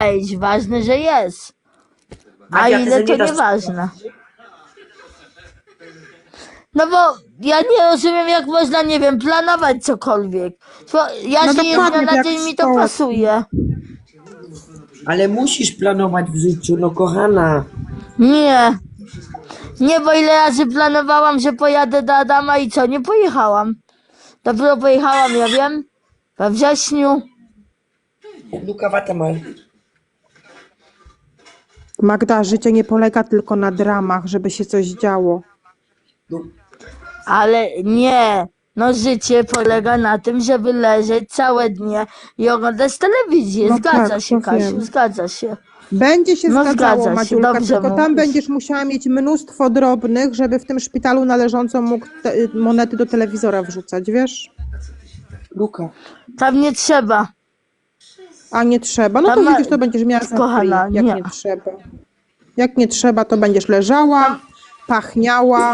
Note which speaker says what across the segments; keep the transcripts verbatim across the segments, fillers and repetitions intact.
Speaker 1: wejść, ważne, że jest. A
Speaker 2: Magda, ty
Speaker 1: ile
Speaker 2: se
Speaker 1: to
Speaker 2: nie dasz-
Speaker 1: nieważne. No bo ja nie rozumiem, jak można, nie wiem, planować cokolwiek. To ja
Speaker 3: No
Speaker 1: żyję z
Speaker 3: dokładnie,
Speaker 1: dnia na
Speaker 3: jak
Speaker 1: dzień,
Speaker 3: w
Speaker 1: mi to
Speaker 3: szkole.
Speaker 1: pasuje.
Speaker 2: Ale musisz planować w życiu, no kochana.
Speaker 1: Nie. Nie, bo ile razy planowałam, że pojadę do Adama i co, nie pojechałam. Dopiero pojechałam, ja wiem, we wrześniu.
Speaker 2: Luka Watamal.
Speaker 3: Magda, życie nie polega tylko na dramach, żeby się coś działo.
Speaker 1: Ale nie. No życie polega na tym, żeby leżeć całe dnie i oglądać telewizję.
Speaker 3: No
Speaker 1: Zgadza
Speaker 3: tak,
Speaker 1: się,
Speaker 3: to
Speaker 1: Kasiu,
Speaker 3: wiem.
Speaker 1: zgadza się.
Speaker 3: Będzie się
Speaker 1: No
Speaker 3: zgadzało,
Speaker 1: zgadza się,
Speaker 3: Madziulka,
Speaker 1: dobrze
Speaker 3: tylko tam
Speaker 1: mówisz.
Speaker 3: będziesz musiała mieć mnóstwo drobnych, żeby w tym szpitalu należąco mógł te, monety do telewizora wrzucać, wiesz?
Speaker 2: Luka.
Speaker 1: Tam nie trzeba.
Speaker 3: A nie trzeba. No
Speaker 1: Tam
Speaker 3: to
Speaker 1: ma-
Speaker 3: widzisz, to będziesz miała za
Speaker 1: Kochana,
Speaker 3: free, jak
Speaker 1: nie.
Speaker 3: nie trzeba. Jak nie trzeba, to będziesz leżała, pachniała.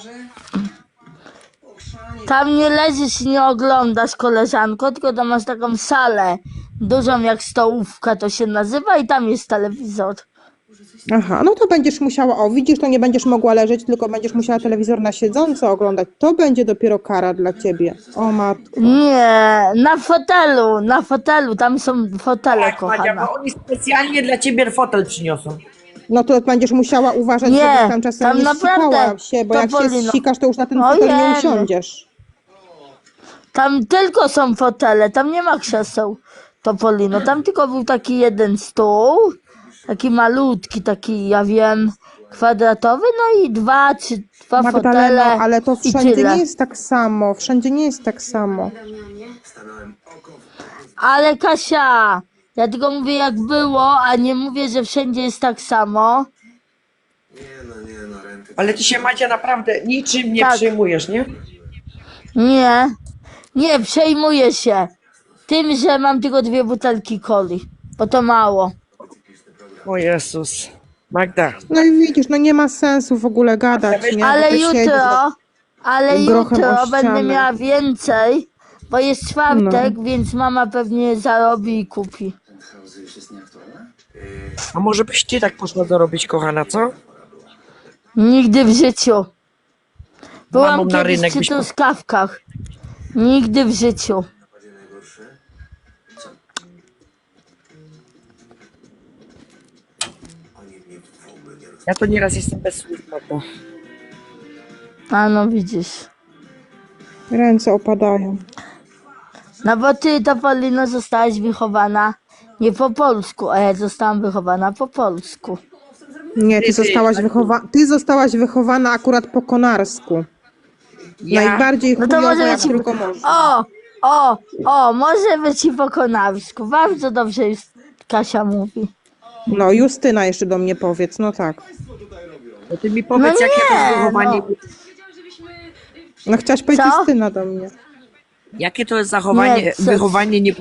Speaker 1: Tam nie leżysz i nie oglądasz, koleżanko, tylko tam masz taką salę, dużą jak stołówka to się nazywa i tam jest telewizor.
Speaker 3: Aha, no to będziesz musiała, o widzisz, to nie będziesz mogła leżeć, tylko będziesz musiała telewizor na siedząco oglądać. To będzie dopiero kara dla ciebie. O matko.
Speaker 1: Nie, na fotelu, na fotelu, tam są fotele,
Speaker 2: Tak, Madzia,
Speaker 1: kochana.
Speaker 2: bo oni specjalnie dla ciebie fotel przyniosą.
Speaker 3: No to będziesz musiała uważać,
Speaker 1: Nie,
Speaker 3: żebyś tam czasem
Speaker 1: tam
Speaker 3: nie
Speaker 1: naprawdę,
Speaker 3: ścikała się, bo
Speaker 1: to
Speaker 3: jak się
Speaker 1: Polino.
Speaker 3: ścikasz, to już na ten
Speaker 1: Ojej.
Speaker 3: fotel nie usiądziesz.
Speaker 1: Tam tylko są fotele, tam nie ma krzeseł, Topolino. Tam tylko był taki jeden stół, taki malutki, taki, ja wiem, kwadratowy, no i dwa czy dwa
Speaker 3: Magdaleno,
Speaker 1: fotele
Speaker 3: ale to
Speaker 1: i
Speaker 3: wszędzie
Speaker 1: tyle.
Speaker 3: nie jest tak samo. Wszędzie nie jest tak samo.
Speaker 1: Ale Kasia, ja tylko mówię jak było, a nie mówię, że wszędzie jest tak samo.
Speaker 2: Ale ty się, Madzia, naprawdę niczym nie
Speaker 1: Tak.
Speaker 2: przejmujesz, nie?
Speaker 1: Nie, nie, przejmuję się tym, że mam tylko dwie butelki coli, bo to mało.
Speaker 2: O Jezus. Magda.
Speaker 3: No i widzisz, no nie ma sensu w ogóle gadać, nie? Bo
Speaker 1: Ale
Speaker 3: ty siedzisz,
Speaker 1: jutro, ale
Speaker 3: grochem
Speaker 1: jutro
Speaker 3: o
Speaker 1: będę
Speaker 3: ścianę.
Speaker 1: miała więcej, bo jest czwartek,
Speaker 3: No.
Speaker 1: więc mama pewnie zarobi i kupi.
Speaker 2: A może byś ty tak poszła dorobić, kochana, co?
Speaker 1: Nigdy w życiu. Byłam
Speaker 2: Mamą na
Speaker 1: kiedyś
Speaker 2: rynek
Speaker 1: przy
Speaker 2: byś po-
Speaker 1: truskawkach. Nigdy w życiu.
Speaker 2: Ja to nieraz jestem bez słów, Magda.
Speaker 1: A no widzisz.
Speaker 3: ręce opadają.
Speaker 1: No bo ty, Topolino, zostałaś wychowana nie po polsku, a ja zostałam wychowana po polsku.
Speaker 3: Nie, ty
Speaker 2: Ty, ty,
Speaker 3: zostałaś,
Speaker 2: ale-
Speaker 3: wychowa ty zostałaś wychowana akurat po konarsku.
Speaker 2: Ja,
Speaker 3: Najbardziej
Speaker 1: No to
Speaker 3: chujowo,
Speaker 1: może
Speaker 3: jak
Speaker 1: być...
Speaker 3: tylko można.
Speaker 1: O, o, o, może być i po konarsku. Bardzo dobrze już Kasia mówi.
Speaker 3: No, Justyna jeszcze do mnie powiedz, no tak.
Speaker 2: to ty mi powiedz,
Speaker 1: No
Speaker 2: jakie to jest
Speaker 1: nie,
Speaker 2: zachowanie,
Speaker 1: no.
Speaker 3: No chciałaś powiedzieć
Speaker 1: Co?
Speaker 3: Justyna do mnie.
Speaker 2: jakie to jest zachowanie,
Speaker 1: Nie, co-
Speaker 2: wychowanie nie...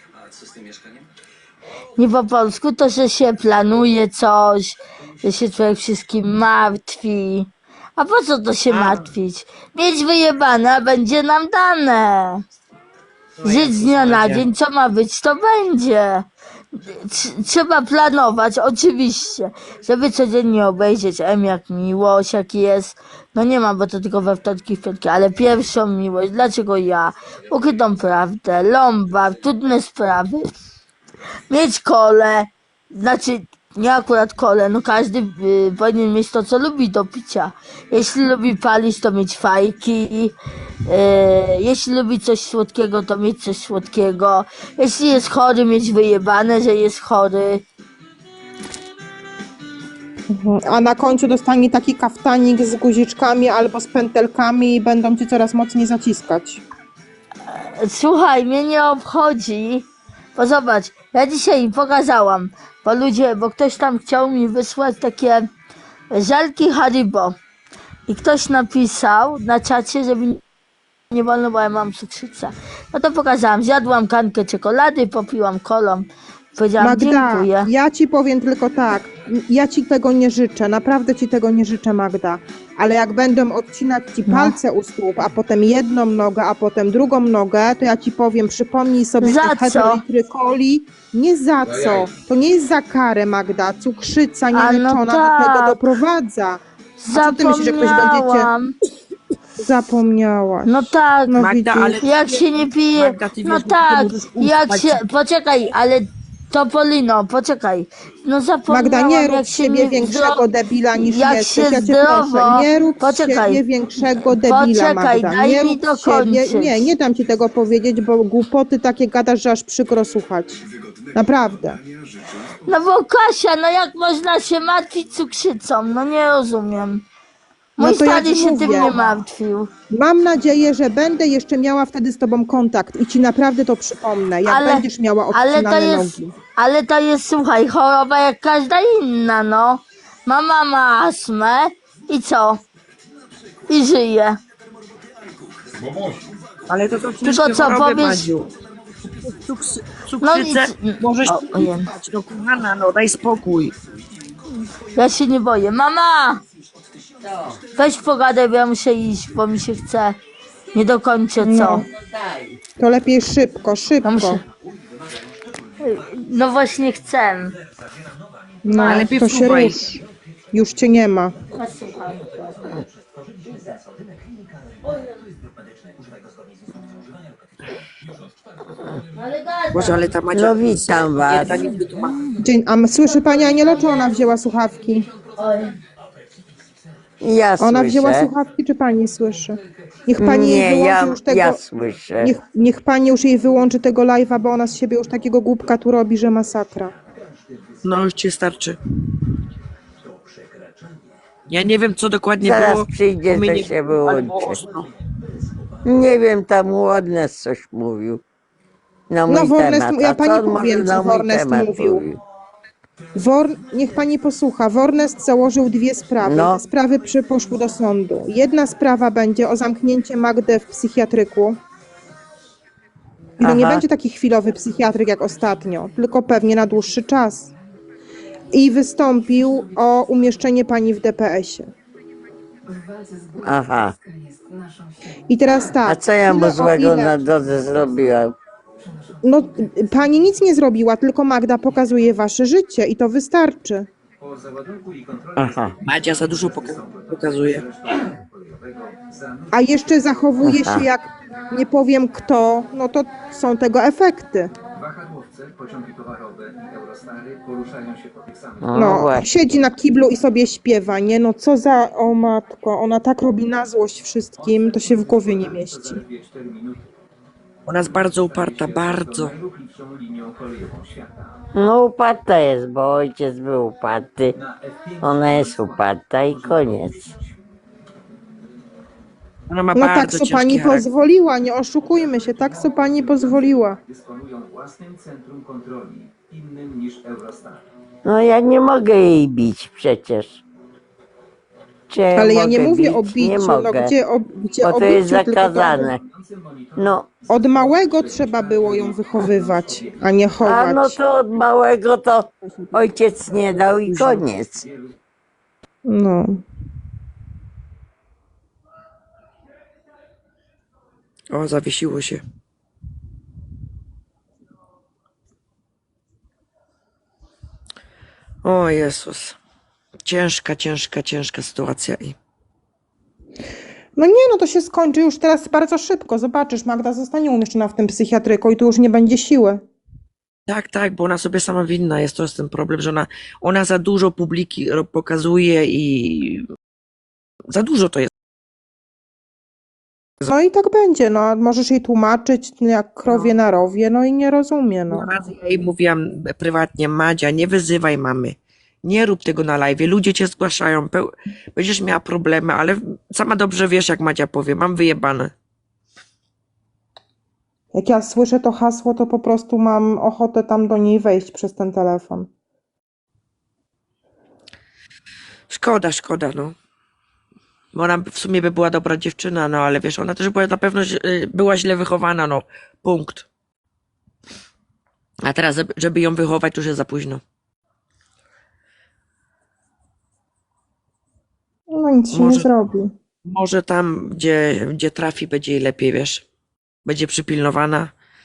Speaker 1: Nie po polsku to, że się planuje coś, że się człowiek wszystkim martwi. A po co to się martwić? Mieć wyjebane, a będzie nam dane. Żyć z dnia na dzień, co ma być, to będzie. Tr- Trzeba planować, oczywiście, żeby codziennie obejrzeć M jak miłość, jaki jest. No nie ma, bo to tylko we wtorki, w piątki, ale pierwszą miłość, dlaczego ja? Ukrytą prawdę, Lombard, trudne sprawy. Mieć kole, znaczy nie akurat kole, no każdy y, powinien mieć to, co lubi do picia. Jeśli lubi palić, to mieć fajki. Y, jeśli lubi coś słodkiego, to mieć coś słodkiego. Jeśli jest chory, mieć wyjebane, że jest chory.
Speaker 3: A na końcu dostanie taki kaftanik z guziczkami albo z pętelkami i będą ci coraz mocniej zaciskać.
Speaker 1: Słuchaj, mnie nie obchodzi, bo zobacz, ja dzisiaj im pokazałam, bo ludzie, bo ktoś tam chciał mi wysłać takie żelki Haribo i ktoś napisał na czacie, żeby nie wolno, bo ja mam cukrzycę. No to pokazałam, zjadłam kankę czekolady, popiłam kolą, powiedziałam
Speaker 3: Magda,
Speaker 1: dziękuję.
Speaker 3: ja ci powiem tylko tak. ja ci tego nie życzę, naprawdę ci tego nie życzę, Magda. Ale jak będą odcinać ci
Speaker 1: No.
Speaker 3: palce u stóp, a potem jedną nogę, a potem drugą nogę, to ja ci powiem, przypomnij sobie
Speaker 1: Za
Speaker 3: te
Speaker 1: co?
Speaker 3: heteroitrykoli. Nie za co. To nie jest za karę, Magda. Cukrzyca
Speaker 1: A no
Speaker 3: nieleczona do tego
Speaker 1: tak.
Speaker 3: doprowadza. A co ty myślisz, że ktoś będziecie...
Speaker 1: Zapomniałam.
Speaker 3: Zapomniałaś.
Speaker 1: No tak.
Speaker 3: No
Speaker 2: Magda,
Speaker 3: widzisz.
Speaker 2: ale-
Speaker 1: Jak się nie pije,
Speaker 2: Magda, ty
Speaker 1: no
Speaker 2: wiesz, że ty
Speaker 1: tak,
Speaker 2: możesz
Speaker 1: jak
Speaker 2: uspać.
Speaker 1: się, poczekaj, ale Topolino, poczekaj, no zapomniałam,
Speaker 3: Magda, nie rób
Speaker 1: jak
Speaker 3: z
Speaker 1: się
Speaker 3: siebie
Speaker 1: nie
Speaker 3: większego
Speaker 1: zdro...
Speaker 3: debila niż
Speaker 1: jak
Speaker 3: jesteś.
Speaker 1: się
Speaker 3: Ja cię
Speaker 1: zdrowo-
Speaker 3: proszę, nie rób z
Speaker 1: Poczekaj.
Speaker 3: siebie większego debila,
Speaker 1: Poczekaj,
Speaker 3: Magda.
Speaker 1: daj
Speaker 3: Nie
Speaker 1: mi
Speaker 3: rób z siebie...
Speaker 1: dokończyć.
Speaker 3: Nie, nie dam ci tego powiedzieć, bo głupoty takie gadasz, że aż przykro słuchać. Naprawdę.
Speaker 1: No bo Kasia, no jak można się martwić cukrzycą, no nie rozumiem. Mój
Speaker 3: No to ja
Speaker 1: stary
Speaker 3: ci
Speaker 1: się tym
Speaker 3: mówię.
Speaker 1: nie martwił.
Speaker 3: Mam nadzieję, że będę jeszcze miała wtedy z tobą kontakt i ci naprawdę to przypomnę, jak
Speaker 1: Ale-
Speaker 3: będziesz miała
Speaker 1: Ale to
Speaker 3: odcinane
Speaker 1: jest,
Speaker 3: nogi.
Speaker 1: ale to jest, słuchaj, choroba jak każda inna, no. Mama ma astmę i co? I żyje.
Speaker 2: Ale to są
Speaker 1: Tylko
Speaker 2: ciężkie
Speaker 1: co,
Speaker 2: choroby,
Speaker 1: powiesz-
Speaker 2: Madziu. Cuks-
Speaker 1: No
Speaker 2: Cukrzycę
Speaker 1: nic.
Speaker 2: możesz
Speaker 1: O, ojej.
Speaker 2: używać, no kochana, no daj spokój.
Speaker 1: Ja się nie boję. Mama! Weź pogadaj, bo ja muszę iść, bo mi się chce. Nie dokończę, co?
Speaker 3: No. To lepiej szybko,
Speaker 1: Ja
Speaker 3: szybko.
Speaker 1: muszę... No właśnie chcę.
Speaker 3: No,
Speaker 2: Ale lepiej
Speaker 3: to się
Speaker 2: wsuwaj.
Speaker 3: rusz. Już cię nie ma.
Speaker 1: Posłuchaj. Ale gadaj.
Speaker 2: Boże, ale ta Madzia...
Speaker 4: No witam was.
Speaker 2: Jedna nie wytłumaczy.
Speaker 3: Dzień, a m- słyszy pani Anielo, czy ona wzięła słuchawki?
Speaker 1: Oj.
Speaker 4: Ja
Speaker 3: Ona
Speaker 4: słyszę.
Speaker 3: wzięła słuchawki, czy pani słyszy? Niech pani jej
Speaker 4: Nie,
Speaker 3: wyłączy
Speaker 4: ja,
Speaker 3: już tego...
Speaker 4: ja słyszę.
Speaker 3: Niech, niech pani już jej wyłączy tego live'a, bo ona z siebie już takiego głupka tu robi, że masakra.
Speaker 2: No już ci starczy. Ja nie wiem, co dokładnie
Speaker 4: Zaraz
Speaker 2: było.
Speaker 4: przyjdzie,
Speaker 2: bo mnie
Speaker 4: to
Speaker 2: nie-
Speaker 4: się
Speaker 2: ale
Speaker 4: wyłączy.
Speaker 2: było ostro.
Speaker 4: Nie wiem, tam Łodnes coś mówił. Na mój
Speaker 3: No, Warnes-
Speaker 4: temat.
Speaker 3: ja
Speaker 4: A
Speaker 3: pani
Speaker 4: co on
Speaker 3: powiem,
Speaker 4: może
Speaker 3: co
Speaker 4: na mój
Speaker 3: Warnes
Speaker 4: temat
Speaker 3: mówił. Wor... Niech pani posłucha. Warnest założył dwie sprawy.
Speaker 4: No.
Speaker 3: Te sprawy przy... poszły do sądu. Jedna sprawa będzie o zamknięcie Magdy w psychiatryku. I to nie
Speaker 4: Aha.
Speaker 3: będzie taki chwilowy psychiatryk jak ostatnio, tylko pewnie na dłuższy czas. I wystąpił o umieszczenie pani w D P S-ie.
Speaker 4: Aha.
Speaker 3: I teraz tak.
Speaker 4: A co ja mu
Speaker 3: ile o
Speaker 4: złego
Speaker 3: ile-
Speaker 4: na drodze zrobiłam?
Speaker 3: No, pani nic nie zrobiła, tylko Magda pokazuje wasze życie i to wystarczy.
Speaker 4: Aha.
Speaker 2: Madzia za dużo poka- pokazuje.
Speaker 3: A jeszcze zachowuje
Speaker 4: Aha.
Speaker 3: się jak nie powiem kto, no to są tego efekty.
Speaker 5: Wahadłowce, pociągi towarowe i Eurostary poruszają się po tych samych
Speaker 4: No,
Speaker 3: No,
Speaker 4: właśnie.
Speaker 3: siedzi na kiblu i sobie śpiewa, nie? No co za, o matko, ona tak robi na złość wszystkim, to się w głowie nie mieści.
Speaker 5: zaledwie cztery minuty
Speaker 2: Ona jest bardzo uparta, bardzo.
Speaker 5: najruchliwszą linią kolejową świata.
Speaker 4: No uparta jest, bo ojciec był uparty.
Speaker 5: Na F pięć
Speaker 4: Ona jest uparta i koniec.
Speaker 2: Ona ma
Speaker 3: No tak,
Speaker 2: bardzo
Speaker 3: co
Speaker 2: ciężki
Speaker 3: pani
Speaker 2: charakter.
Speaker 3: pozwoliła, nie oszukujmy się, tak co pani pozwoliła.
Speaker 5: dysponują własnym centrum kontroli, innym niż Eurostar.
Speaker 4: No ja nie mogę jej bić przecież. Czy ja
Speaker 3: Ale ja nie
Speaker 4: mogę
Speaker 3: mówię
Speaker 4: bić?
Speaker 3: o
Speaker 4: Nie
Speaker 3: biciu, no
Speaker 4: mogę,
Speaker 3: gdzie o, gdzie
Speaker 4: bo
Speaker 3: o
Speaker 4: to jest
Speaker 3: biciu, tylko to
Speaker 4: zakazane. No,
Speaker 3: od małego trzeba było ją wychowywać, a nie
Speaker 4: a
Speaker 3: chować.
Speaker 4: no to od małego to ojciec nie dał i koniec.
Speaker 3: No.
Speaker 2: O, zawiesiło się. O Jezus. Ciężka, ciężka, ciężka sytuacja i...
Speaker 3: No nie, no to się skończy już teraz bardzo szybko. Zobaczysz, Magda zostanie umieszczona w tym psychiatryku i tu już nie będzie siły.
Speaker 2: Tak, tak, bo ona sobie sama winna jest, to jest ten problem, że ona, ona za dużo publiki ro- pokazuje i za dużo to jest.
Speaker 3: No i tak będzie, no możesz jej tłumaczyć jak krowie na rowie, no i nie rozumie, no.
Speaker 2: Raz ja jej mówiłam prywatnie, Madzia, nie wyzywaj mamy, nie rób tego na live, ludzie cię zgłaszają, peł- będziesz miała problemy, ale sama dobrze wiesz, jak Madzia powie, mam wyjebane.
Speaker 3: Jak ja słyszę to hasło, to po prostu mam ochotę tam do niej wejść przez ten telefon.
Speaker 2: Szkoda, szkoda, no. Bo ona w sumie by była dobra dziewczyna, no ale wiesz, ona też była na pewno źle- była źle wychowana, no. Punkt. A teraz, żeby- żeby ją wychować, to już jest za późno.
Speaker 3: No nic się nie
Speaker 2: Może-
Speaker 3: zrobi.
Speaker 2: Może tam, gdzie, gdzie trafi, będzie jej lepiej, wiesz. Będzie przypilnowana.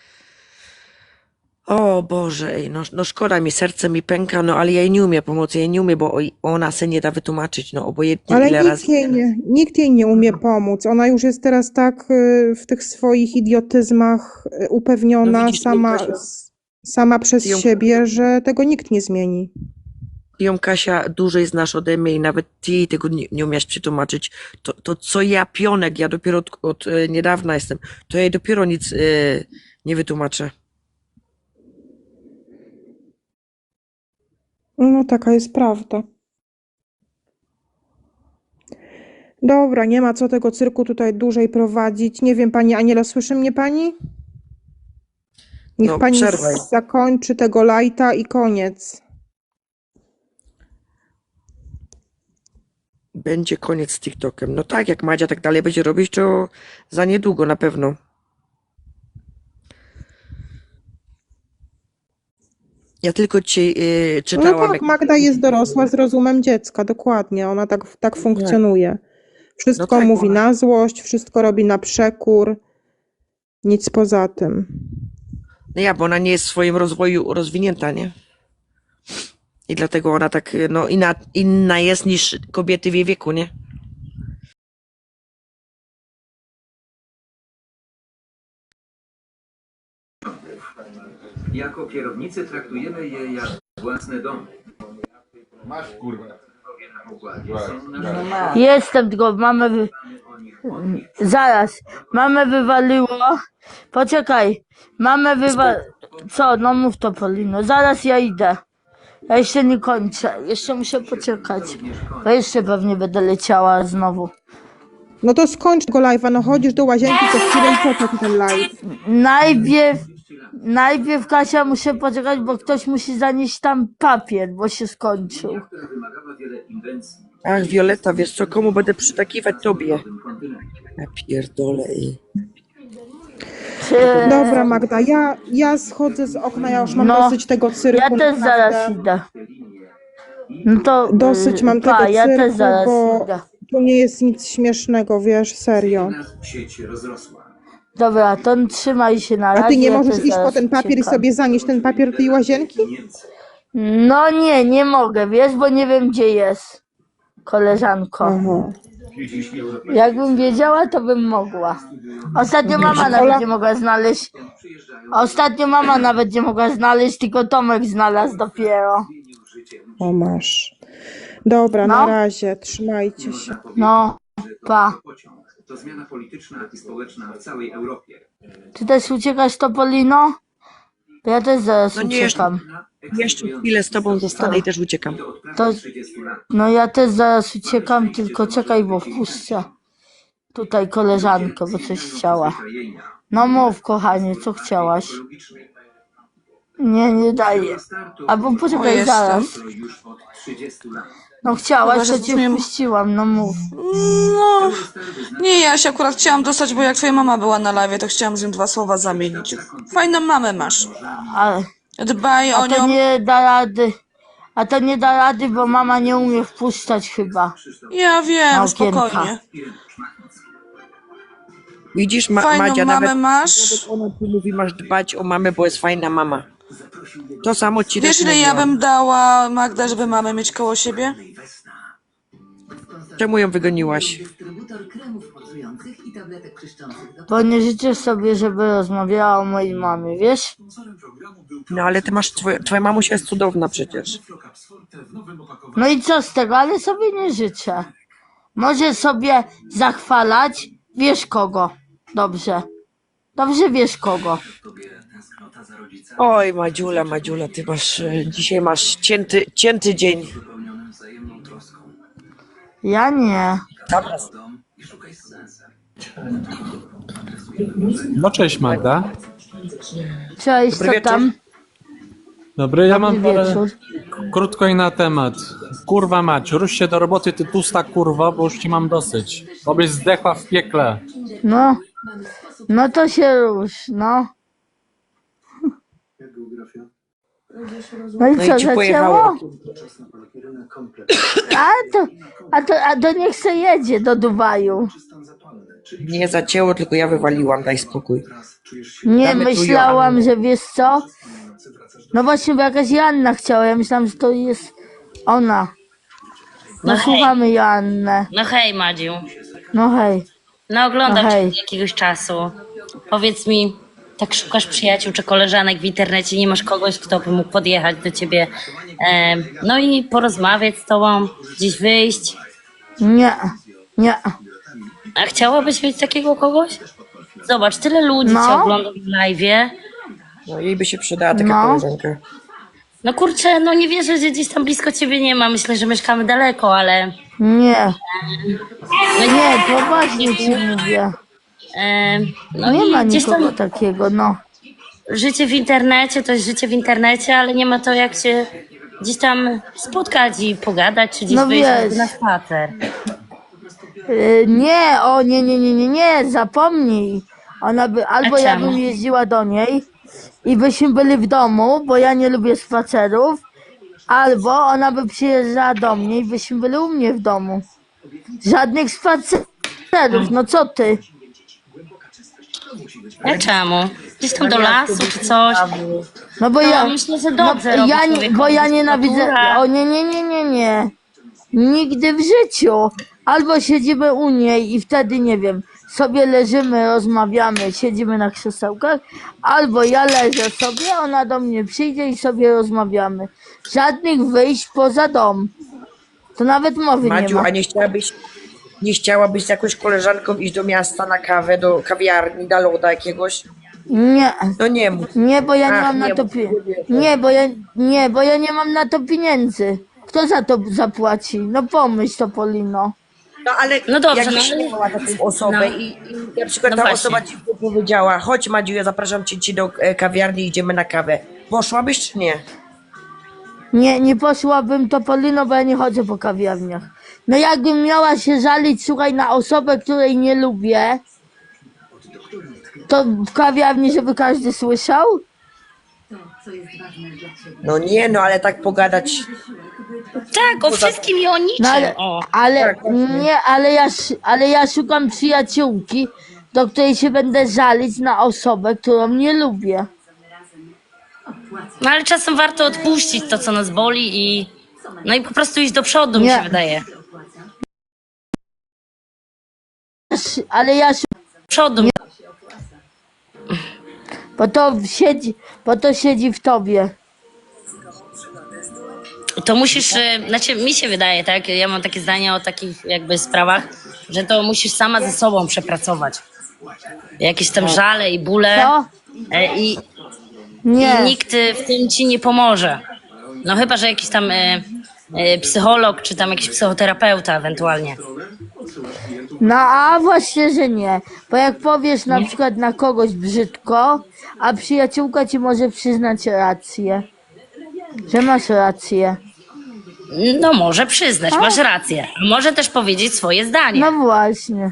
Speaker 2: O Boże, ej, no, no szkoda mi, serce mi pęka, no ale ja jej nie umiem pomóc, ja jej nie umiem, bo oj- ona se nie da wytłumaczyć, no obojętnie
Speaker 3: Ale
Speaker 2: ile
Speaker 3: nikt
Speaker 2: razy.
Speaker 3: jej, nie, nikt jej nie umie pomóc. Ona już jest teraz tak y, w tych swoich idiotyzmach y, upewniona
Speaker 2: No widzisz,
Speaker 3: sama,
Speaker 2: Kasia,
Speaker 3: s- sama przez
Speaker 2: ty ją-
Speaker 3: siebie, że tego nikt nie zmieni.
Speaker 2: Ty ją, Kasia, dłużej znasz ode mnie i nawet ty jej tego nie, nie umiesz przetłumaczyć. To, to co ja, Pionek, ja dopiero od, od e, niedawna jestem, to ja jej dopiero nic e, nie wytłumaczę.
Speaker 3: No taka jest prawda. Dobra, nie ma co tego cyrku tutaj dłużej prowadzić. Nie wiem, pani Anielo, słyszy mnie pani? Niech
Speaker 2: No,
Speaker 3: pani
Speaker 2: przerwaj.
Speaker 3: zakończy tego lajta i koniec.
Speaker 2: Będzie koniec z TikTokiem. No tak, jak Madzia tak dalej będzie robić, to za niedługo na pewno. Ja tylko dzisiaj e,
Speaker 3: No
Speaker 2: czytałam,
Speaker 3: tak,
Speaker 2: jak...
Speaker 3: Magda jest dorosła z rozumem dziecka, dokładnie. Ona tak, tak funkcjonuje. Wszystko
Speaker 2: No tak,
Speaker 3: mówi
Speaker 2: ona-
Speaker 3: na złość, wszystko robi na przekór. Nic poza tym.
Speaker 2: No ja, bo ona nie jest w swoim rozwoju rozwinięta, nie? I dlatego ona tak, e, no inna, inna jest niż kobiety w jej wieku, nie?
Speaker 5: Jako kierownicy traktujemy je jak własne domy.
Speaker 6: Masz kurwa.
Speaker 5: Na pokładzie są nasze
Speaker 1: Jestem, tylko mamę wy...
Speaker 5: o nich od nich.
Speaker 1: Zaraz, mamę wywaliło. Poczekaj, mamę wywa... Co? No mów to, Polino. Zaraz ja idę. Ja jeszcze nie kończę. Jeszcze muszę poczekać. Bo jeszcze pewnie będę leciała znowu.
Speaker 3: No to skończ tego live'a, no chodzisz do łazienki co chwilę i po co ten live?
Speaker 1: Najpierw, najpierw Kasia muszę poczekać, bo ktoś musi zanieść tam papier, bo się skończył.
Speaker 5: Która wymagała wiele inwencji
Speaker 2: Ach, Wioleta, wiesz co, komu będę przytakiwać? Tobie.
Speaker 5: w tym kontynencie.
Speaker 2: Ja pierdolę. ej.
Speaker 1: Czy...
Speaker 3: Dobra, Magda, ja, ja schodzę z okna, ja już mam
Speaker 1: No,
Speaker 3: dosyć tego cyrku.
Speaker 1: Ja też zaraz
Speaker 3: naprawdę.
Speaker 1: idę. No to...
Speaker 3: Dosyć mam
Speaker 1: pa,
Speaker 3: tego
Speaker 1: ja
Speaker 3: cyrku,
Speaker 1: też zaraz
Speaker 3: bo
Speaker 1: idę.
Speaker 3: tu nie jest nic śmiesznego, wiesz, serio.
Speaker 5: Nas sieć rozrosła.
Speaker 1: Dobra, to trzymaj się na
Speaker 3: A
Speaker 1: razie.
Speaker 3: ty nie
Speaker 1: ja
Speaker 3: możesz
Speaker 1: też
Speaker 3: iść po
Speaker 1: zaraz
Speaker 3: ten papier i
Speaker 1: uciekam.
Speaker 3: sobie zanieść ten papier do tej łazienki?
Speaker 5: Niemcy.
Speaker 1: No nie, nie mogę, wiesz, bo nie wiem gdzie jest. Koleżanko.
Speaker 3: Aha.
Speaker 1: Jakbym wiedziała, to bym mogła. Ostatnio mama nawet nie mogła znaleźć. Ostatnio mama nawet nie mogła znaleźć, tylko Tomek znalazł dopiero.
Speaker 3: O masz. Dobra,
Speaker 1: No.
Speaker 3: na razie, trzymajcie się.
Speaker 1: No, pa.
Speaker 5: Pociąg to zmiana polityczna i społeczna w całej Europie.
Speaker 1: Ty też uciekasz, Topolino? To ja też zaraz
Speaker 2: No nie, jeszcze,
Speaker 1: uciekam.
Speaker 2: jeszcze chwilę z tobą zostanę i też uciekam.
Speaker 5: To od prawie
Speaker 1: To,
Speaker 5: trzydziestu lat.
Speaker 1: no ja też zaraz uciekam, tylko czekaj, bo wpuszczę tutaj koleżankę, bo coś chciała.
Speaker 5: Zwyczajenia
Speaker 1: No mów, kochanie, co chciałaś?
Speaker 5: ekologicznej.
Speaker 1: Nie, nie daję. Albo poczekaj, zaraz.
Speaker 5: To już od trzydziestu lat.
Speaker 1: No chciałaś,
Speaker 7: Chyba, że
Speaker 1: to cię
Speaker 7: brzmię-
Speaker 1: wpuściłam, no mów.
Speaker 7: No, nie, ja się akurat chciałam dostać, bo jak twoja mama była na live, to chciałam z nią dwa słowa zamienić. Fajną mamę masz.
Speaker 1: A,
Speaker 7: Dbaj o
Speaker 1: a to
Speaker 7: nią.
Speaker 1: nie da rady. A to nie da rady, bo mama nie umie wpuszczać chyba.
Speaker 7: Ja
Speaker 1: Na
Speaker 7: wiem,
Speaker 1: okienka.
Speaker 7: spokojnie.
Speaker 2: Widzisz, ma,
Speaker 7: Fajną
Speaker 2: Madzia,
Speaker 7: mamę
Speaker 2: nawet
Speaker 7: masz.
Speaker 2: ona tu mówi, masz dbać o mamę, bo jest fajna mama. To samo ci
Speaker 7: Wiesz,
Speaker 2: też
Speaker 7: ile ja
Speaker 2: mówiłam.
Speaker 7: bym dała, Magda, żeby mamę mieć koło siebie?
Speaker 2: Czemu ją wygoniłaś?
Speaker 8: Dystrybutor kremów mocujących i tabletek czyszczących do
Speaker 1: Bo nie życzę sobie, żeby rozmawiała o mojej mamie, wiesz?
Speaker 2: No ale ty masz, twoja, twoja mamusia jest cudowna przecież.
Speaker 1: No i co z tego, ale sobie nie życzę. Może sobie zachwalać, wiesz kogo. Dobrze. Dobrze wiesz kogo.
Speaker 2: Oj, Madziula, Madziula, ty masz, e, dzisiaj masz cięty, cięty dzień.
Speaker 1: Ja nie.
Speaker 2: Dobra.
Speaker 9: No cześć Magda.
Speaker 1: Cześć,
Speaker 2: Dobry
Speaker 1: co
Speaker 2: wieczór.
Speaker 1: tam?
Speaker 9: Dobry, ja mam
Speaker 1: Dobry
Speaker 9: parę,
Speaker 1: wieczór.
Speaker 9: krótko i na temat. Kurwa mać, rusz się do roboty, ty tłusta kurwa, bo już ci mam dosyć. Obyś zdechła w piekle.
Speaker 1: No. No to się rusz, no. No i
Speaker 2: No
Speaker 1: co,
Speaker 2: i ci pojechało.
Speaker 1: zaczęło? A to, A to, a to niech se jedzie do Dubaju.
Speaker 2: Nie zacięło, tylko ja wywaliłam, daj spokój.
Speaker 1: Nie,
Speaker 2: Damy tu
Speaker 1: myślałam,
Speaker 2: Joannę.
Speaker 1: że wiesz co? No właśnie, bo jakaś Joanna chciała, ja myślałam, że to jest ona. No,
Speaker 10: No hej.
Speaker 1: słuchamy Joannę.
Speaker 10: No hej, Madziu.
Speaker 1: No hej.
Speaker 10: No oglądam
Speaker 1: No
Speaker 10: cię
Speaker 1: hej.
Speaker 10: od jakiegoś czasu. Powiedz mi, tak szukasz przyjaciół czy koleżanek w internecie, nie masz kogoś, kto by mógł podjechać do ciebie, e, no i porozmawiać z tobą, gdzieś wyjść.
Speaker 1: Nie, nie.
Speaker 10: A chciałabyś mieć takiego kogoś? Zobacz, tyle ludzi
Speaker 1: No.
Speaker 10: cię ogląda w live'ie.
Speaker 2: No jej by się przydała taka
Speaker 1: No.
Speaker 2: koleżanka.
Speaker 10: No kurczę, no nie wierzę, że gdzieś tam blisko ciebie nie ma. Myślę, że mieszkamy daleko, ale...
Speaker 1: Nie,
Speaker 10: No
Speaker 1: nie, poważnie ci mówię.
Speaker 10: E, no
Speaker 1: Nie
Speaker 10: i
Speaker 1: ma
Speaker 10: gdzieś
Speaker 1: nikogo
Speaker 10: tam
Speaker 1: takiego, no.
Speaker 10: życie w internecie to jest życie w internecie, ale nie ma to jak się gdzieś tam spotkać i pogadać, czy gdzieś
Speaker 1: No
Speaker 10: wyjść
Speaker 1: wiesz.
Speaker 10: na spacer.
Speaker 1: Y, nie, o nie, nie, nie, nie, nie, zapomnij. Ona by, albo
Speaker 10: A
Speaker 1: ja
Speaker 10: czemu?
Speaker 1: bym jeździła do niej i byśmy byli w domu, bo ja nie lubię spacerów, albo ona by przyjeżdżała do mnie i byśmy byli u mnie w domu. Żadnych spacerów, no co ty?
Speaker 10: A czemu? Gdzieś tam do lasu czy coś.
Speaker 1: No bo
Speaker 10: No,
Speaker 1: ja,
Speaker 10: myślę, że dobrze robi
Speaker 1: ja,
Speaker 10: człowiekowi
Speaker 1: bo ja nienawidzę,
Speaker 10: natura.
Speaker 1: o nie, nie, nie, nie, nie, nigdy w życiu. Albo siedzimy u niej i wtedy, nie wiem, sobie leżymy, rozmawiamy, siedzimy na krzesełkach, albo ja leżę sobie, ona do mnie przyjdzie i sobie rozmawiamy. Żadnych wyjść poza dom. To nawet mowy nie
Speaker 2: Madziu,
Speaker 1: ma.
Speaker 2: a nie chciałabyś, nie chciałabyś z jakąś koleżanką iść do miasta na kawę, do kawiarni, do loda jakiegoś?
Speaker 1: Nie,
Speaker 2: No nie mów.
Speaker 1: nie, bo ja nie
Speaker 2: Ach,
Speaker 1: mam na
Speaker 2: nie
Speaker 1: to
Speaker 2: mów,
Speaker 1: pi-
Speaker 2: nie wierzę.
Speaker 1: nie, bo ja nie, bo ja nie mam na to pieniędzy. Kto za to zapłaci? No pomyśl to, Polino.
Speaker 2: No ale
Speaker 10: No dobrze,
Speaker 2: jakbyś
Speaker 10: no ale-
Speaker 2: miała taką osobę
Speaker 10: no.
Speaker 2: i, i na przykład
Speaker 10: No
Speaker 2: ta
Speaker 10: właśnie.
Speaker 2: osoba ci powiedziała, chodź Madziu, ja zapraszam cię ci do e, kawiarni, idziemy na kawę. Poszłabyś czy nie?
Speaker 1: Nie, nie poszłabym to, Polino, bo ja nie chodzę po kawiarniach. No jakbym miała się żalić, słuchaj, na osobę, której nie lubię, to w kawiarni, żeby każdy słyszał?
Speaker 8: To, co jest ważne dla ciebie.
Speaker 2: No nie, no ale tak pogadać.
Speaker 10: Tak, o wszystkim i o niczym.
Speaker 1: No ale,
Speaker 10: O.
Speaker 1: ale
Speaker 2: Tak, właśnie.
Speaker 1: nie, ale ja, sz- ale ja szukam przyjaciółki, do której się będę żalić na osobę, którą nie lubię.
Speaker 10: No ale czasem warto odpuścić to, co nas boli i no i po prostu iść do przodu, mi
Speaker 1: Nie.
Speaker 10: się wydaje.
Speaker 1: Sz- Ale ja szukam,
Speaker 10: Przodu.
Speaker 1: bo to siedzi, bo to siedzi w tobie.
Speaker 10: To musisz, e, znaczy mi się wydaje, tak, ja mam takie zdanie o takich jakby sprawach, że to musisz sama ze sobą przepracować. Jakieś tam żale i bóle
Speaker 1: Co?
Speaker 10: e, i, i
Speaker 1: Nie.
Speaker 10: nikt e, w tym ci nie pomoże. No chyba, że jakiś tam e, e, psycholog, czy tam jakiś psychoterapeuta ewentualnie.
Speaker 1: No a właśnie, że nie. Bo jak powiesz na przykład na kogoś brzydko, a przyjaciółka ci może przyznać rację. Że masz rację.
Speaker 10: No może przyznać, masz rację. A może też powiedzieć swoje zdanie.
Speaker 1: No właśnie.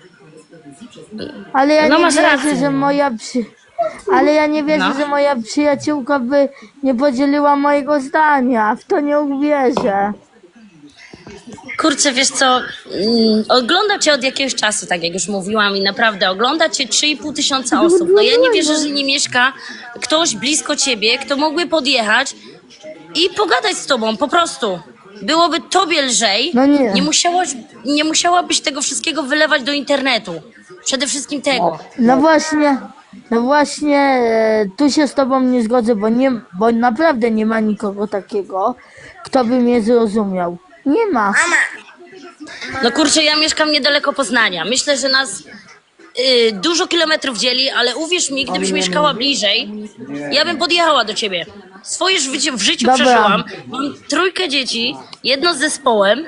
Speaker 1: Ale ja
Speaker 10: No
Speaker 1: nie
Speaker 10: masz
Speaker 1: wierzę,
Speaker 10: rację.
Speaker 1: że moja przy... Ale ja nie wierzę,
Speaker 10: No.
Speaker 1: że moja przyjaciółka by nie podzieliła mojego zdania. W to nie uwierzę.
Speaker 10: Kurczę, wiesz co, mm, ogląda cię od jakiegoś czasu, tak jak już mówiłam i naprawdę ogląda cię trzy i pół tysiąca osób. No ja nie wierzę, że nie mieszka ktoś blisko ciebie, kto mógłby podjechać i pogadać z tobą, po prostu. Byłoby tobie lżej,
Speaker 1: No nie.
Speaker 10: nie, musiałaś, nie musiałabyś tego wszystkiego wylewać do internetu. Przede wszystkim tego.
Speaker 1: No właśnie, no właśnie, e, tu się z tobą nie zgodzę, bo, nie, bo naprawdę nie ma nikogo takiego, kto by mnie zrozumiał. Nie ma.
Speaker 10: No kurczę, ja mieszkam niedaleko Poznania. Myślę, że nas y, dużo kilometrów dzieli, ale uwierz mi, gdybyś mieszkała bliżej, ja bym podjechała do ciebie. Swoje życie w życiu
Speaker 1: Dobra.
Speaker 10: przeżyłam. Mam trójkę dzieci, jedno z zespołem.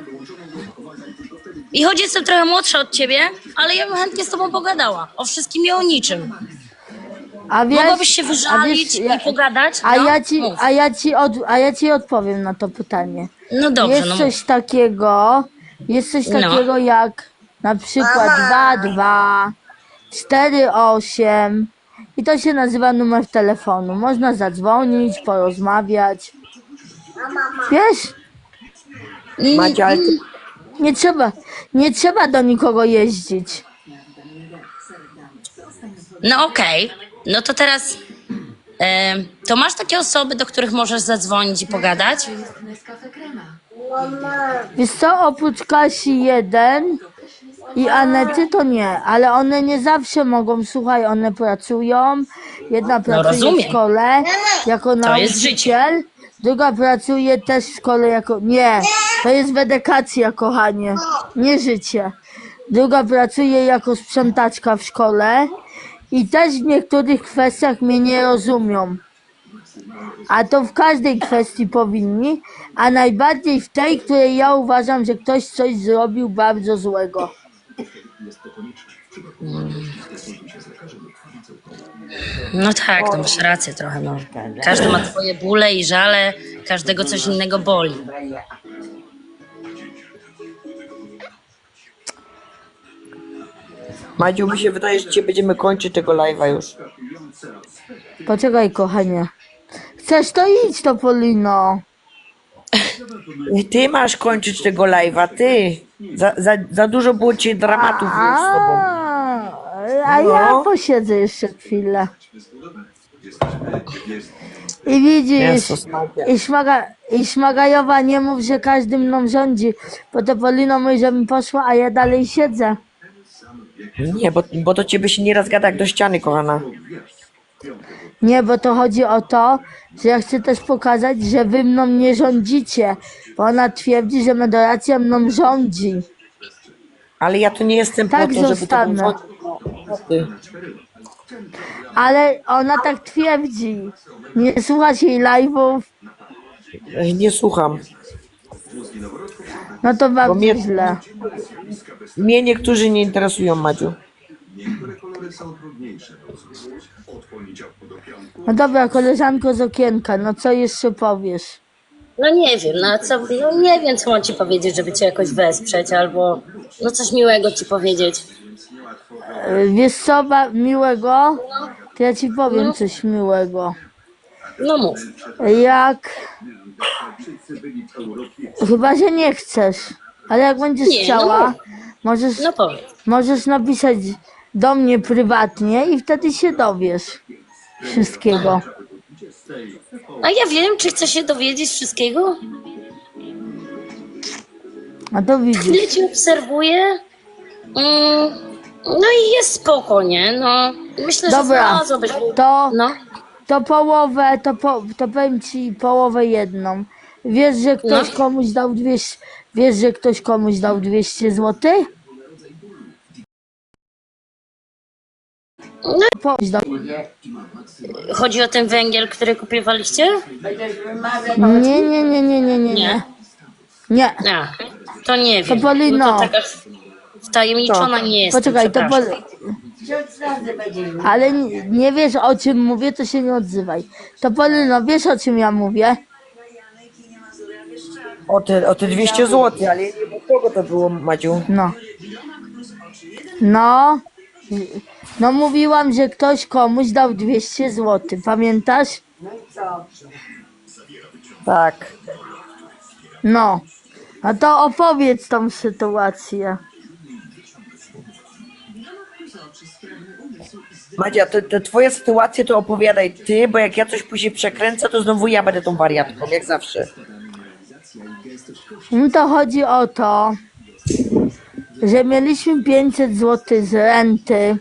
Speaker 10: I choć jestem trochę młodsza od ciebie, ale ja bym chętnie z tobą pogadała. O wszystkim i o niczym.
Speaker 1: A wiesz,
Speaker 10: Mogłabyś się
Speaker 1: a
Speaker 10: wyżalić
Speaker 1: wiesz, ja-
Speaker 10: i pogadać?
Speaker 1: A
Speaker 10: No,
Speaker 1: ja ci,
Speaker 10: mów.
Speaker 1: a ja ci, od, a ja ci odpowiem na to pytanie.
Speaker 10: No dobrze,
Speaker 1: Jest
Speaker 10: no
Speaker 1: coś
Speaker 10: mów.
Speaker 1: takiego, jest coś
Speaker 10: No.
Speaker 1: takiego jak na przykład dwa dwa cztery osiem i to się nazywa numer telefonu. Można zadzwonić, porozmawiać. Wiesz?
Speaker 10: Mm,
Speaker 2: Madziu, ale ty,
Speaker 1: Nie trzeba, nie trzeba do nikogo jeździć.
Speaker 10: No okej, no to teraz e, to masz takie osoby, do których możesz zadzwonić i pogadać?
Speaker 8: Nescafe Crema.
Speaker 1: Wiesz co, oprócz Kasi jeden i Anety to nie, ale one nie zawsze mogą, słuchaj, one pracują. Jedna pracuje w
Speaker 10: rozumiem.
Speaker 1: szkole jako
Speaker 10: To jest życie.
Speaker 1: nauczyciel, druga pracuje też w szkole jako... Nie, to jest wedykacja, kochanie, nie życie. Druga pracuje jako sprzątaczka w szkole i też w niektórych kwestiach mnie nie rozumią. A to w każdej kwestii powinni, a najbardziej w tej, której ja uważam, że ktoś coś zrobił bardzo złego.
Speaker 10: No tak, no masz rację trochę, no. Każdy ma swoje bóle i żale, każdego coś innego boli.
Speaker 2: Madziu, mi się wydaje, że dzisiaj będziemy kończyć tego live'a już.
Speaker 1: Poczekaj, kochanie. Chcesz to idź, to Polino.
Speaker 2: Ty masz kończyć tego live'a, ty. Za, za, za dużo było ci dramatów już z tobą.
Speaker 1: A, a ja
Speaker 2: No.
Speaker 1: posiedzę jeszcze chwilę. I widzisz,
Speaker 2: Jezus Maria.
Speaker 1: i, szmaga, i Szmagajowa nie mów, że każdy mną rządzi, bo to Polino mówi, że mi poszła, a ja dalej siedzę.
Speaker 2: Nie, bo, bo do ciebie się nieraz gada jak do ściany, kochana.
Speaker 1: Nie, bo to chodzi o to, że ja chcę też pokazać, że wy mną nie rządzicie, bo ona twierdzi, że Medoracja mną rządzi.
Speaker 2: Ale ja tu nie jestem
Speaker 1: Tak
Speaker 2: po to, żeby to
Speaker 1: zostanę.
Speaker 2: ty.
Speaker 1: Ale ona tak twierdzi. Nie słuchasz jej live'ów,
Speaker 2: Ej, Nie słucham.
Speaker 1: no to bardzo
Speaker 2: mnie-
Speaker 1: źle.
Speaker 2: Mnie niektórzy nie interesują, Madziu.
Speaker 1: No dobra, koleżanko z okienka, no co jeszcze powiesz?
Speaker 10: No nie wiem, no co, no nie wiem, co mam ci powiedzieć, żeby cię jakoś wesprzeć, albo no coś miłego ci powiedzieć.
Speaker 1: E, Wiesz co, ba- miłego? To ja ci powiem coś miłego.
Speaker 10: No mów.
Speaker 1: Jak... Chyba, że nie chcesz, ale jak będziesz
Speaker 10: Nie, no
Speaker 1: chciała,
Speaker 10: mów.
Speaker 1: możesz,
Speaker 10: No powiedz.
Speaker 1: możesz napisać do mnie prywatnie i wtedy się dowiesz wszystkiego.
Speaker 10: A ja wiem, czy chcesz się dowiedzieć wszystkiego?
Speaker 1: A to
Speaker 10: Tyle
Speaker 1: widzisz.
Speaker 10: ci obserwuję. Mm, no i jest spoko, nie? No, myślę, że
Speaker 1: Dobra,
Speaker 10: znalazłabyś...
Speaker 1: to,
Speaker 10: No,
Speaker 1: to połowę, to, po, to powiem ci połowę jedną. Wiesz, że ktoś
Speaker 10: No.
Speaker 1: komuś dał dwieście, wiesz, że ktoś komuś dał dwieście złotych?
Speaker 10: No.
Speaker 1: Komuś dał...
Speaker 10: chodzi o ten węgiel, który kupiewaliście?
Speaker 1: Nie, nie, nie, nie, nie, nie, nie. Nie.
Speaker 10: A, to nie wiem.
Speaker 1: To Polino.
Speaker 10: No to taka wtajemniczona nie jestem,
Speaker 1: Poczekaj, to
Speaker 10: przepraszam.
Speaker 1: pol... Ale nie, nie wiesz, o czym mówię, to się nie odzywaj. To Polino, wiesz, o czym ja mówię?
Speaker 2: O te, o te dwieście złotych, ale nie wiem, od kogo to było, Madziu.
Speaker 1: No. No. No mówiłam, że ktoś komuś dał dwieście złotych, pamiętasz?
Speaker 2: Tak.
Speaker 1: No. A to opowiedz tą sytuację.
Speaker 2: Madzia, te, te twoje sytuacje to opowiadaj ty, bo jak ja coś później przekręcę, to znowu ja będę tą wariatką, jak zawsze.
Speaker 1: No to chodzi o to, że mieliśmy pięćset złotych z renty.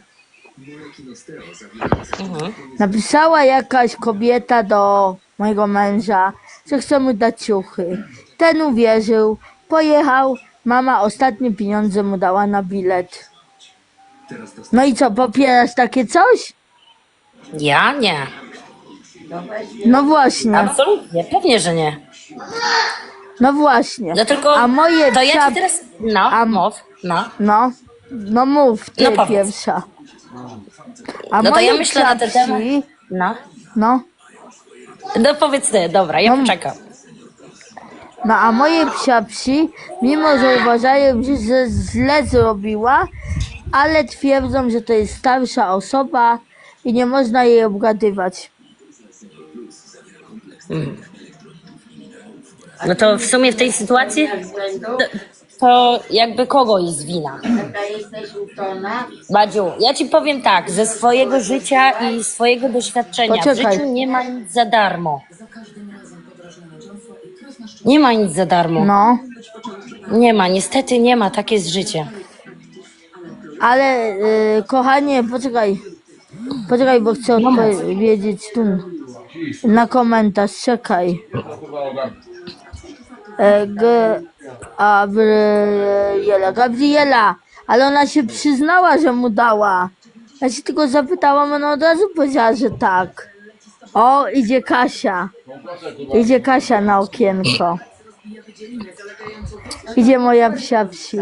Speaker 1: Napisała jakaś kobieta do mojego męża, że chce mu dać ciuchy. Ten uwierzył, pojechał, mama ostatnie pieniądze mu dała na bilet. No i co, popierasz takie coś?
Speaker 10: Ja? Nie.
Speaker 1: No właśnie,
Speaker 10: Absolutnie, pewnie, że nie.
Speaker 1: no właśnie.
Speaker 10: No tylko,
Speaker 1: A moje
Speaker 10: to ja
Speaker 1: psia-
Speaker 10: ci teraz... No,
Speaker 1: A-
Speaker 10: mów, no.
Speaker 1: No, no mów, ty
Speaker 10: No powiedz.
Speaker 1: pierwsza. A
Speaker 10: No to
Speaker 1: moje
Speaker 10: ja myślę na ten
Speaker 1: psia
Speaker 10: temat.
Speaker 1: psi-
Speaker 10: No.
Speaker 1: No,
Speaker 10: No powiedz ty, dobra, ja
Speaker 1: No.
Speaker 10: poczekam.
Speaker 1: no a moje psia psi, mimo że uważają, że że źle zrobiła, ale twierdzą, że to jest starsza osoba i nie można jej obgadywać.
Speaker 10: No to w sumie w tej sytuacji... To, to jakby kogo jest wina? Badziu, ja ci powiem tak, ze swojego życia i swojego doświadczenia w
Speaker 1: Poczekaj.
Speaker 10: życiu nie ma nic za darmo. Nie ma nic za darmo.
Speaker 1: No,
Speaker 10: Nie ma, niestety nie ma, takie jest życie.
Speaker 1: ale y, kochanie, poczekaj. Poczekaj, bo chcę odpowiedzieć tu na komentarz. Czekaj. E, G, Gabriela, Gabriela, ale ona się przyznała, że mu dała. Ja się tylko zapytałam, ona od razu powiedziała, że tak. O, idzie Kasia. Idzie Kasia na okienko. Idzie moja psia psi.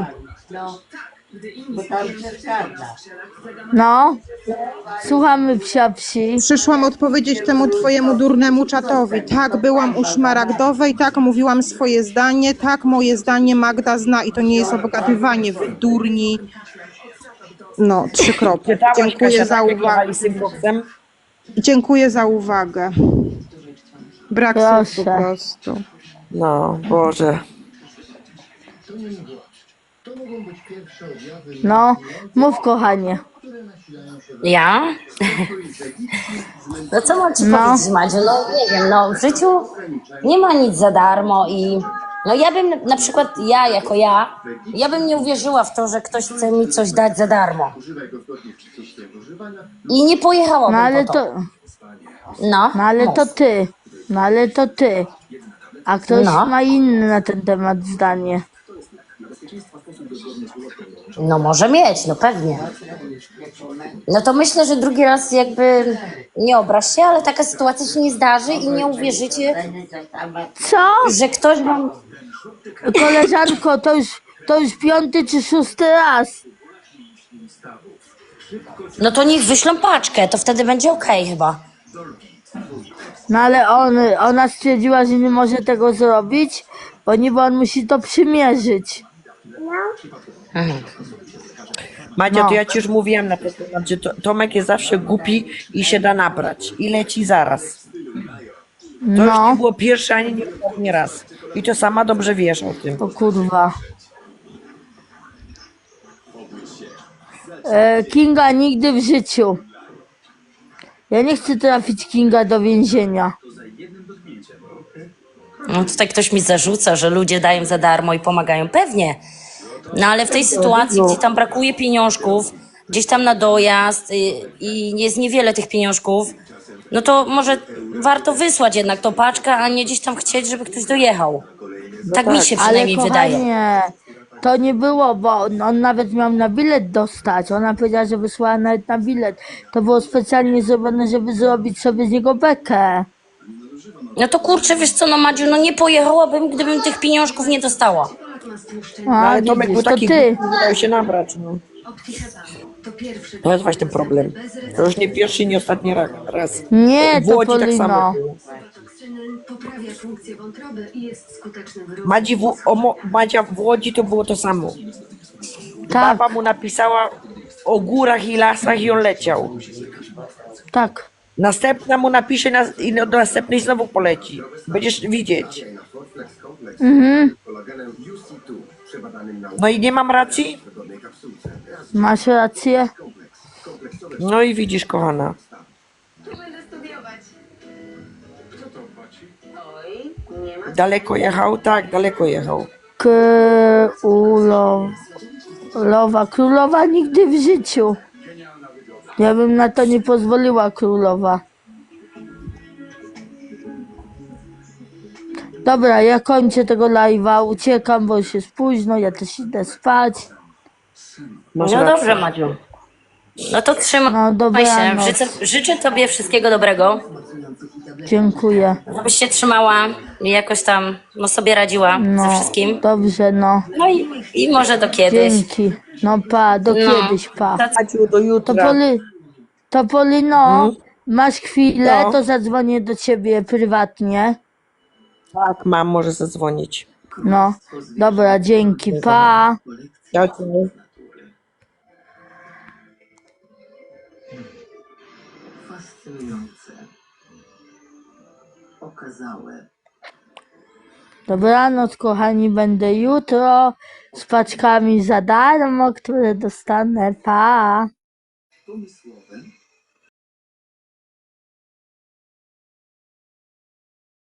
Speaker 1: No, słuchamy psia psi.
Speaker 3: Przyszłam odpowiedzieć temu twojemu durnemu czatowi. Tak, byłam u Szmaragdowej, tak, mówiłam swoje zdanie, tak, moje zdanie Magda zna i to nie jest obogatywanie, wy durni. No, trzy kropki.
Speaker 2: Czytałaś,
Speaker 3: Dziękuję
Speaker 2: Kasia,
Speaker 3: za
Speaker 2: tak, jak
Speaker 3: uwagę.
Speaker 2: jechali z tym koksem?
Speaker 3: Dziękuję za uwagę. Brak słów po
Speaker 1: Proszę.
Speaker 3: prostu.
Speaker 2: No, Boże.
Speaker 1: No, mów kochanie.
Speaker 10: Ja? No co mam ci
Speaker 1: No.
Speaker 10: powiedzieć, Madziu? No nie wiem, no w życiu nie ma nic za darmo i no ja bym na przykład, ja jako ja, ja bym nie uwierzyła w to, że ktoś chce mi coś dać za darmo. I nie pojechałabym
Speaker 1: No ale
Speaker 10: po to.
Speaker 1: to,
Speaker 10: No,
Speaker 1: no ale
Speaker 10: mów.
Speaker 1: to ty. No ale to ty. A ktoś
Speaker 10: No.
Speaker 1: ma inny na ten temat zdanie.
Speaker 10: No może mieć, no pewnie. No to myślę, że drugi raz jakby nie obraź się, ale taka sytuacja się nie zdarzy i nie uwierzycie,
Speaker 1: Co?
Speaker 10: że ktoś wam...
Speaker 1: Koleżanko, to już, to już piąty czy szósty raz.
Speaker 10: No to niech wyślą paczkę, to wtedy będzie okej chyba.
Speaker 1: No ale on, ona stwierdziła, że nie może tego zrobić, bo niby on musi to przymierzyć.
Speaker 2: Madzia,
Speaker 1: No.
Speaker 2: to ja ci już mówiłam na ten temat, że to, Tomek jest zawsze głupi i się da nabrać. I leci zaraz. To już
Speaker 1: No,
Speaker 2: nie było pierwszy ani nie ostatni raz. I to sama dobrze wiesz o tym.
Speaker 1: o kurwa. E, Kinga nigdy w życiu. Ja nie chcę trafić Kinga do więzienia.
Speaker 10: No tutaj ktoś mi zarzuca, że ludzie dają za darmo i pomagają. Pewnie. No ale w tej sytuacji, gdzie tam brakuje pieniążków, gdzieś tam na dojazd y, i jest niewiele tych pieniążków, no to może warto wysłać jednak tą paczkę, a nie gdzieś tam chcieć, żeby ktoś dojechał. Tak mi się
Speaker 1: Ale
Speaker 10: przynajmniej wydaje.
Speaker 1: kochanie, to nie było, bo on, on nawet miał na bilet dostać. Ona powiedziała, że wysłała nawet na bilet. To było specjalnie zrobione, żeby zrobić sobie z niego bekę.
Speaker 10: No to kurczę, wiesz co, no Madziu, no nie pojechałabym, gdybym tych pieniążków nie dostała.
Speaker 2: No,
Speaker 1: A,
Speaker 2: ale Tomek
Speaker 1: widzisz,
Speaker 2: był
Speaker 1: to
Speaker 2: taki
Speaker 1: ty.
Speaker 2: głupi, nie dał się nabrać. No. To jest właśnie ten problem. To już nie pierwszy i nie ostatni ra- raz.
Speaker 1: Nie,
Speaker 2: W
Speaker 1: to
Speaker 2: Łodzi tak
Speaker 1: Polino.
Speaker 2: samo było.
Speaker 8: Poprawia funkcję wątroby i jest skutecznym wyrównaniem.
Speaker 2: Madzi w, o, Mo- Madzia w Łodzi to było to samo.
Speaker 1: Tak,
Speaker 2: Baba mu napisała o górach i lasach i on leciał.
Speaker 1: tak.
Speaker 2: Następna mu napisze na, i do następnej znowu poleci. Będziesz widzieć.
Speaker 1: Mhm.
Speaker 2: No i nie mam racji?
Speaker 1: Masz rację.
Speaker 2: No i widzisz, kochana. Daleko jechał? Tak, daleko jechał.
Speaker 1: Królowa. Królowa nigdy w życiu. Ja bym na to nie pozwoliła, królowa. Dobra, ja kończę tego live'a, uciekam, bo już jest późno, ja też idę spać.
Speaker 2: Masz
Speaker 10: No
Speaker 2: rację.
Speaker 10: dobrze, Madziu. No to trzymaj
Speaker 1: No
Speaker 10: się.
Speaker 1: dobranoc.
Speaker 10: Życzę, życzę tobie wszystkiego dobrego,
Speaker 1: Dziękuję.
Speaker 10: żebyś się trzymała i jakoś tam no, sobie radziła ze
Speaker 1: No,
Speaker 10: wszystkim.
Speaker 1: dobrze, no.
Speaker 10: No i, i może do kiedyś.
Speaker 1: Dzięki. No pa, do
Speaker 10: No.
Speaker 1: kiedyś, pa.
Speaker 2: Madziu, do
Speaker 1: To
Speaker 2: jutra.
Speaker 1: Poli, to Polino, masz chwilę,
Speaker 2: No.
Speaker 1: to zadzwonię do ciebie prywatnie.
Speaker 2: Tak, mam, może zadzwonić.
Speaker 1: No, dobra, dzięki, pa.
Speaker 2: Dziękuję.
Speaker 8: Fascynujące. Okazałe.
Speaker 1: Dobranoc, kochani, będę jutro z paczkami za darmo, które dostanę. Pa!
Speaker 5: Pomysłowym